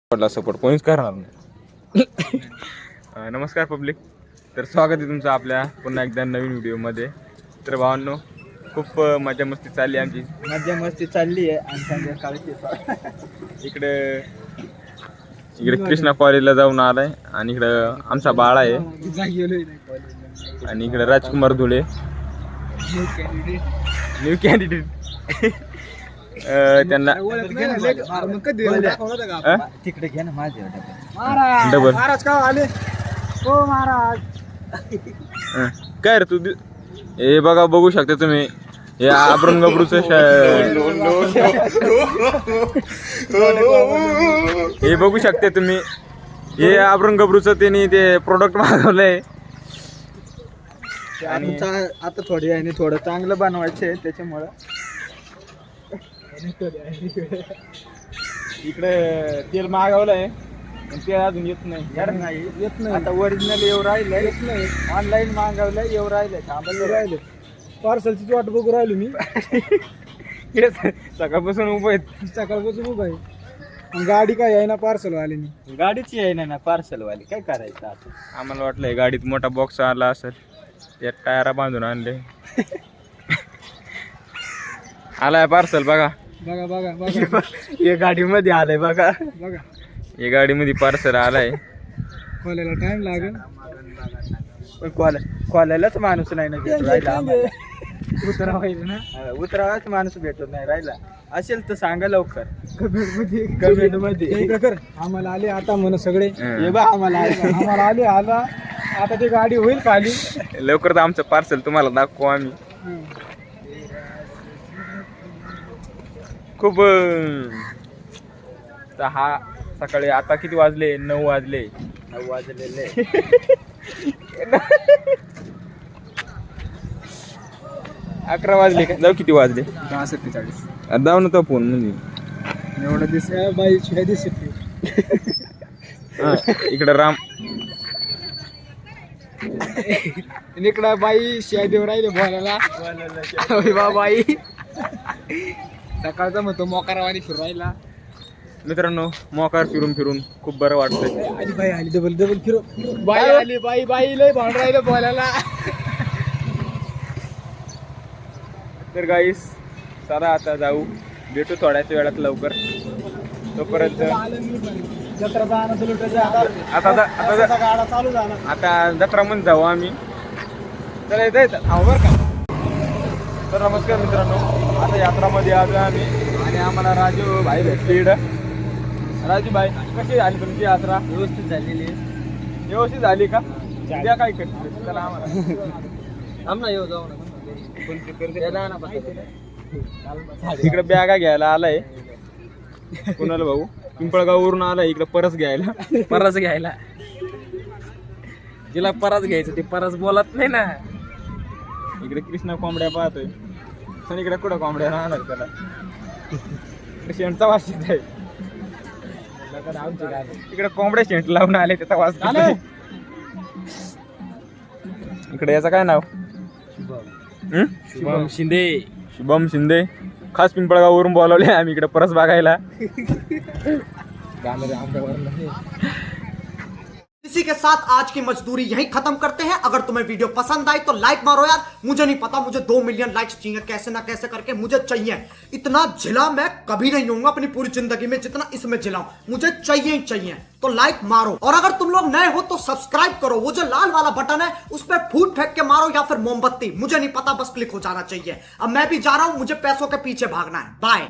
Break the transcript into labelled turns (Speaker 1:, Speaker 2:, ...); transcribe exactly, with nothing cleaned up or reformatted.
Speaker 1: पडला सपोर्ट कोणीच करणार नाही. नमस्कार पब्लिक, तर स्वागत आहे तुमचं आपल्या पुन्हा एकदा नवीन व्हिडिओमध्ये. तर भावांनो, खूप मजा मस्ती चालली आमची.
Speaker 2: मजा मस्ती चालली आहे आणि संध्याकाळची
Speaker 1: इकडे इकडे कृष्णा कॉलेजला जाऊन आलाय आणि इकडे आमचा बाळा आहे आणि इकडे राजकुमार धुळे न्यू कॅन्डिडेट. त्यांना
Speaker 2: तिकडे घ्या ना माझ्या
Speaker 1: डबल
Speaker 2: महाराज का आले हो महाराज.
Speaker 1: काय रे तू दि- हे बघा, बघू शकता तुम्ही हे आबरून गबरूच हे बघू शकता तुम्ही हे आबरून गबरूच त्यांनी ते प्रोडक्ट मागवलंय
Speaker 2: आणि आता थोडी आणि थोडं चांगलं बनवायचं त्याच्यामुळं
Speaker 1: इकडे तेल मागवलंय ते अजून येत नाही.
Speaker 2: नाही येत नाही. आता ओरिजिनल येऊ राहिलंय, येत नाही. ऑनलाईन मागवलंय, येऊ राहिलंय, थांबलं राहिले. पार्सलची वाट बघू राहिलो मी.
Speaker 1: सकाळपासून उभं आहेत.
Speaker 2: सकाळपासून उभं आहे. गाडी काय आहे ना पार्सल वाली गाडीची आहे ना पार्सल वाली काय करायचं आता.
Speaker 1: आम्हाला वाटलंय गाडीत मोठा बॉक्स आला असेल, त्यात टायरा बांधून आणले. आलाय पार्सल बघा
Speaker 2: बघा बघा बघा हे गाडीमध्ये आलंय बघा बघा.
Speaker 1: हे गाडीमध्ये पार्सल आलाय.
Speaker 2: खोलायला टाइम लागेल पण खोला खोलायलाच माणूस नाही ना भेटून राहिला. उतरावायचं ना उतरावाच माणूस भेटत नाही राहिला. असेल तर सांगा लवकर कमेंट मध्ये. आम्हाला आले आता म्हण सगळे हे बा आम्हाला आले आम्हाला आले आला आता ती गाडी होईल खाली
Speaker 1: लवकर. तर आमचं पार्सल तुम्हाला दाखवू आम्ही. खूप हा सकाळी आता किती वाजले? नऊ वाजले
Speaker 2: नऊ वाजलेले
Speaker 1: अकरा वाजले का? जाऊ किती वाजले?
Speaker 2: दहा सत्तेचाळीस.
Speaker 1: जाऊ ना तो फोन म्हणजे
Speaker 2: एवढं दिस बाई शिवाय दिसत.
Speaker 1: इकडं राम
Speaker 2: इकडं बाई शिवाय देऊ राहिले बोलायला बाई. सकाळचा म्हणतो मोकारावानी फिरू राहिला.
Speaker 1: मित्रांनो, मोकार फिरून फिरून खूप बरं वाटतंय.
Speaker 2: आली बाई आली डबल डबल फिरो. बाई आली बाई बाई लय भांड राहिलं बोलायला.
Speaker 1: तर गाईस चला आता जाऊ, भेटू थोड्याच वेळात लवकर. तोपर्यंत
Speaker 2: जत्रा
Speaker 1: आता आता
Speaker 2: गाडा चालू झाला.
Speaker 1: आता जत्रा म्हणून जाऊ आम्ही. चला येत येत बर का. तर नमस्कार मित्रांनो, आता यात्रामध्ये आलो आम्ही आणि आम्हाला राजू भाई भेटले इकडं. राजू भाई, कशी झाली तुमची यात्रा?
Speaker 2: व्यवस्थित झालेली
Speaker 1: व्यवस्थित झाली का? द्या काय करते चला आम्हाला.
Speaker 2: आम्हाला येऊ जाऊ
Speaker 1: इकडे बॅगा घ्यायला आलाय कुणाला भाऊ, पिंपळगाव वरून आलाय इकडे परस घ्यायला.
Speaker 2: परस घ्यायला जिला परस घ्यायचं ते परस बोलत नाही ना.
Speaker 1: इकडे कृष्णा कोंबड्या पाहतोय आणि इकडे कुठं कोंबड्या राहणार त्याला. शेंटचा वास येत आहे. इकडे कोंबड्या शेंट लावून आले त्याचा वास. इकडे याचं काय नाव?
Speaker 2: शुभम शिंदे.
Speaker 1: शुभम शिंदे खास पिंपळगाववरून बोलावले आम्ही इकडे परस बघायला.
Speaker 3: इसी के साथ आज की मजदूरी यहीं खत्म करते हैं. अगर तुम्हें वीडियो पसंद आई तो लाइक मारो यार. मुझे नहीं पता, मुझे दो मिलियन लाइक्स चाहिए कैसे ना कैसे करके मुझे चाहिए. इतना झिला मैं कभी नहीं होऊंगा अपनी पूरी जिंदगी में जितना इसमें झिलाऊं. मुझे चाहिए ही चाहिए. तो लाइक मारो और अगर तुम लोग नए हो तो सब्सक्राइब करो. वो जो लाल वाला बटन है उस पर फूट फेंक के मारो या फिर मोमबत्ती, मुझे नहीं पता, बस क्लिक हो जाना चाहिए. अब मैं भी जा रहा हूं, मुझे पैसों के पीछे भागना है. बाय.